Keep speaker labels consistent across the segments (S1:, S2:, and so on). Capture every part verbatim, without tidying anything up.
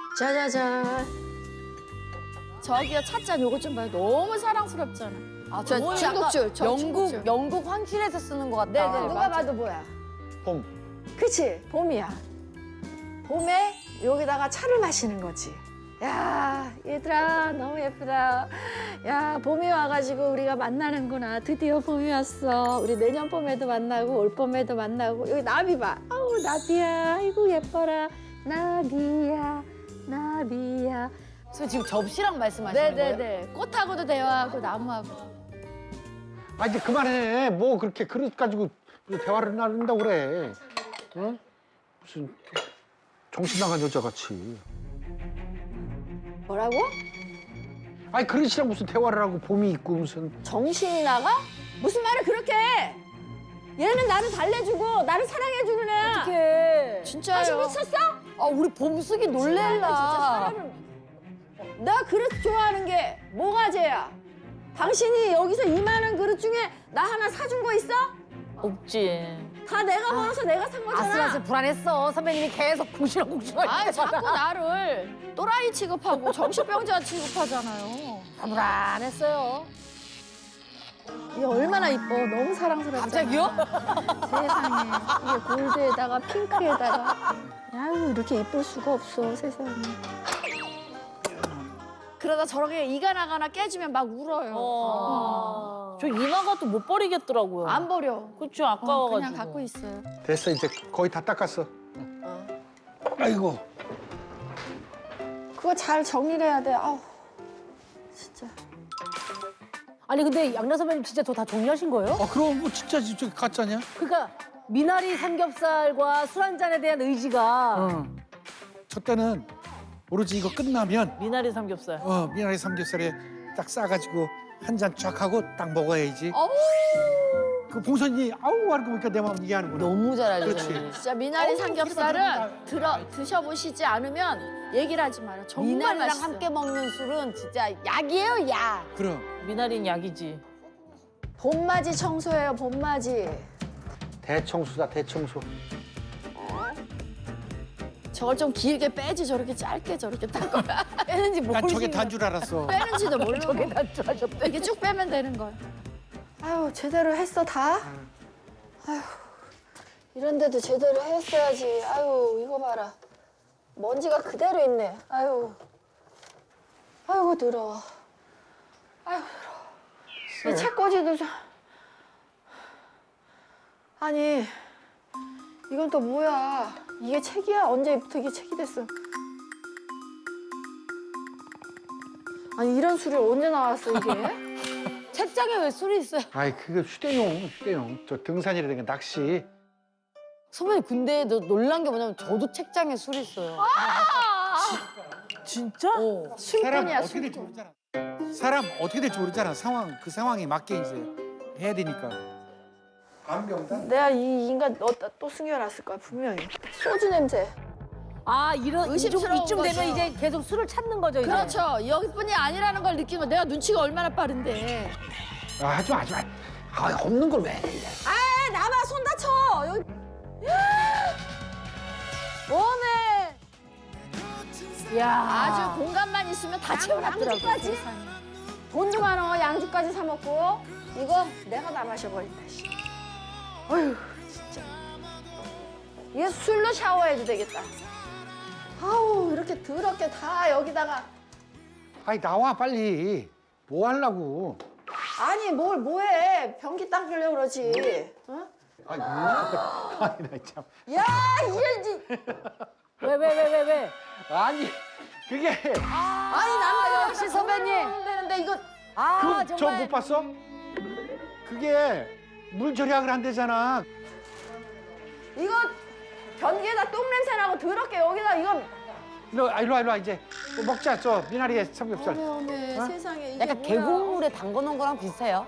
S1: 짜자잔. 저기요, 찻잔 요거 좀 봐요. 너무 사랑스럽잖아.
S2: 아,
S1: 저
S2: 저건
S1: 중국줄,
S2: 약간
S1: 저
S2: 영국
S1: 중국줄.
S2: 영국 황실에서 쓰는 것 같다.
S1: 네네.
S3: 누가
S1: 맞아.
S3: 봐도 뭐야?
S4: 봄.
S3: 그치? 봄이야. 봄에 여기다가 차를 마시는 거지. 야, 얘들아, 너무 예쁘다. 야, 봄이 와가지고 우리가 만나는구나. 드디어 봄이 왔어. 우리 내년 봄에도 만나고 올 봄에도 만나고. 여기 나비 봐. 아우, 나비야. 아이고, 예뻐라. 나비야, 나비야.
S2: 그래서 지금 접시랑 말씀하시는 거예요?
S1: 네네네. 꽃하고도 대화하고 나무하고.
S4: 아 이제 그만해. 뭐 그렇게 그릇 가지고 대화를 나눈다고 그래. 응? 무슨 정신 나간 여자 같이.
S3: 뭐라고?
S4: 아니 그릇이랑 무슨 대화를 하고 봄이 있고 무슨.
S3: 정신이 나가? 무슨 말을 그렇게 해? 얘는 나를 달래주고 나를 사랑해주는 애야.
S2: 어떡해.
S1: 진짜요?
S3: 다시 미쳤어?
S2: 아, 우리 봄숙이
S3: 진짜
S2: 놀랄라.
S3: 사람을... 내가 그릇 좋아하는 게 뭐가 죄야? 당신이 여기서 이만한 그릇 중에 나 하나 사준 거 있어?
S2: 없지.
S3: 다 내가 벌어서 내가 산 거잖아.
S2: 아슬아슬 불안했어. 선배님이 계속 궁시렁궁시렁.
S1: 아, 자꾸 나를 또라이 취급하고 정신병자 취급하잖아요.
S2: 불안했어요.
S3: 이게 얼마나 이뻐. 너무 사랑스럽잖아.
S2: 갑자기요?
S3: 세상에. 이게 골드에다가 핑크에다가. 아유, 이렇게 이쁠 수가 없어, 세상에.
S1: 그러다 저렇게 이가 나가나 깨지면 막 울어요.
S2: 어. 저 이마가 또 못 버리겠더라고요.
S1: 안 버려.
S2: 그쵸,
S1: 어,
S2: 아까워가지고.
S1: 그냥 갖고 있어요.
S4: 됐어 이제 거의 다 닦았어. 아이고.
S3: 그거 잘 정리를 해야 돼. 아우, 진짜.
S5: 아니 근데 양나 선배님 진짜 저 다 정리하신 거예요?
S6: 아 그럼 뭐 진짜 저기 가짜냐?
S5: 그러니까 미나리 삼겹살과 술 한 잔에 대한 의지가
S6: 응. 저 때는 오로지 이거 끝나면
S2: 미나리 삼겹살.
S6: 어 미나리 삼겹살에 딱 싸가지고 한 잔 쫙 하고 딱 먹어야지.
S1: 어우,
S6: 그 봉선이 아우 하는 거 보니까 내 마음 이게 하는구나.
S2: 너무 잘
S6: 그렇지.
S2: 알려주네.
S1: 진짜 미나리 삼겹살은 들어 드셔보시지 않으면 얘기를 하지 마요. 정말
S2: 미나리랑
S1: 맛있어요.
S2: 함께 먹는 술은 진짜 약이에요, 약.
S6: 그럼
S2: 미나리는 약이지.
S3: 봄맞이 청소예요, 봄맞이.
S4: 대청소다 대청소.
S1: 저걸 좀 길게 빼지 저렇게 짧게 저렇게 딴 거야.
S2: 빼는지
S6: 난
S2: 모르겠
S6: 저게 단 줄 알았어.
S1: 빼는지도 모르고
S2: 저게 단줄 하셨대.
S1: 이렇게 쭉 빼면 되는 거야.
S3: 아유, 제대로 했어, 다? 아유, 이런데도 제대로 했어야지. 아유, 이거 봐라. 먼지가 그대로 있네. 아유. 아이고, 더러워. 아이고, 더러워. 이 책꽂이도 좀. 아니, 이건 또 뭐야. 이게 책이야? 언제부터 이게 책이 됐어? 아니, 이런 술이 언제 나왔어, 이게?
S2: 책장에 왜 술이 있어요?
S4: 아이 그게 휴대용 휴대용. 저 등산이라든가 낚시.
S2: 선배님 근데 너 놀란 게 뭐냐면 저도 책장에 술이 있어요.
S5: 진짜?
S2: 어.
S6: 사람
S3: 술꾼이야,
S6: 어떻게 될지
S3: 술꾼.
S6: 모르잖아. 사람 어떻게 될지 모르잖아. 상황 그 상황에 맞게 이제 해야 되니까. 안병단.
S3: 내가 이 인간 어디다 또 숨겨놨을 거야, 분명히. 소주 냄새.
S5: 아 이런 이쯤,
S1: 의심스러운
S5: 이쯤 되면
S1: 거죠.
S5: 이제 계속 술을 찾는 거죠 이제.
S1: 그렇죠. 여기뿐이 아니라는 걸 느낀 거 내가 눈치가 얼마나 빠른데.
S4: 아 하지 마 하지 마. 아 없는 걸 왜? 해.
S3: 아, 나봐, 손 다쳐. 여기. 뭐네.
S5: 야.
S1: 아주 공간만 있으면 다 채워놨더라고.
S3: 양주까지?
S1: 세상에.
S3: 돈도 많어, 양주까지 사 먹고. 이거 내가 다 마셔버린다, 씨. 어휴, 진짜. 얘 술로 샤워해도 되겠다. 아우, 이렇게 더럽게 다 여기다가.
S4: 아이 나와 빨리. 뭐 하려고?
S3: 아니, 뭘 뭐해. 변기 닦으려고 그러지. 어?
S4: 아니 아니 나 참.
S3: 야, 이게.
S5: 왜 왜 왜 왜 왜?
S4: 아니 그게
S3: 아니, 남자
S2: 역시 선배님.
S3: 되는데 이거.
S5: 아
S4: 그 저
S5: 정말.
S4: 못 봤어? 그게 물 절약을 한대잖아.
S3: 이거 변기에다 똥 냄새 나고 더럽게 여기다 이거.
S4: 일로 와, 일로 와, 일로 와 이제 뭐 먹자. 저 미나리에 삼겹살.
S3: 어메, 어메,
S4: 어?
S3: 세상에. 이게
S2: 약간
S3: 뭐야.
S2: 계곡물에 담궈놓은 거랑 비슷해요.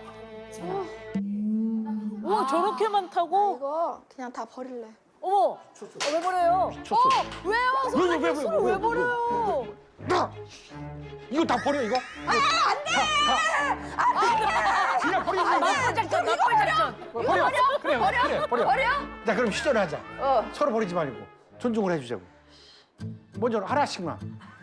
S5: 우와 저렇게 많다고?
S3: 이거 그냥 다 버릴래.
S5: 어머. 어, 왜 버려요?
S4: 미쳤어.
S5: 왜요?
S4: 왜, 왜, 왜, 왜,
S5: 술을
S4: 왜,
S5: 왜
S4: 왜,
S5: 버려요?
S4: 나 이거 다 버려 이거. 아 안돼. 그냥 버리지.
S5: 나쁜 작전, 나쁜 작전.
S4: 버려. 버려. 그래 그래 버려.
S3: 버려?
S4: 자 그럼 시전을 하자.
S3: 어.
S4: 서로 버리지 말고 존중을 해주자고. 먼저 하나씩만.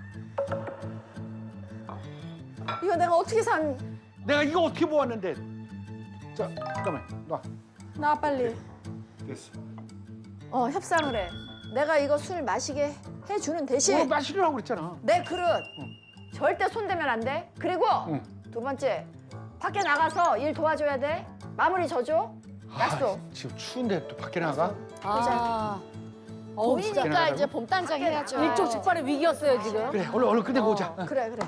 S3: 이거 내가 어떻게 산?
S4: 내가 이거 어떻게 모았는데? 자, 잠깐만, 놔.
S3: 나 빨리.
S4: 됐어.
S3: 어 협상을 해. 내가 이거 술 마시게 해주는 대신
S4: 뭐 마시려고 그랬잖아.
S3: 내 그릇 절대 손대면 안 돼. 그리고
S4: 응.
S3: 두 번째 밖에 나가서 일 도와줘야 돼. 마무리 져줘. 약속.
S4: 아, 지금 추운데 또 밖에 나가?
S2: 아. 어우, 진짜.
S1: 봄이니까 이제 봄단장 해야죠.
S5: 일촉즉발의 위기였어요 지금.
S4: 그래, 얼른 얼른 끝내고 오자.
S3: 그래 그래.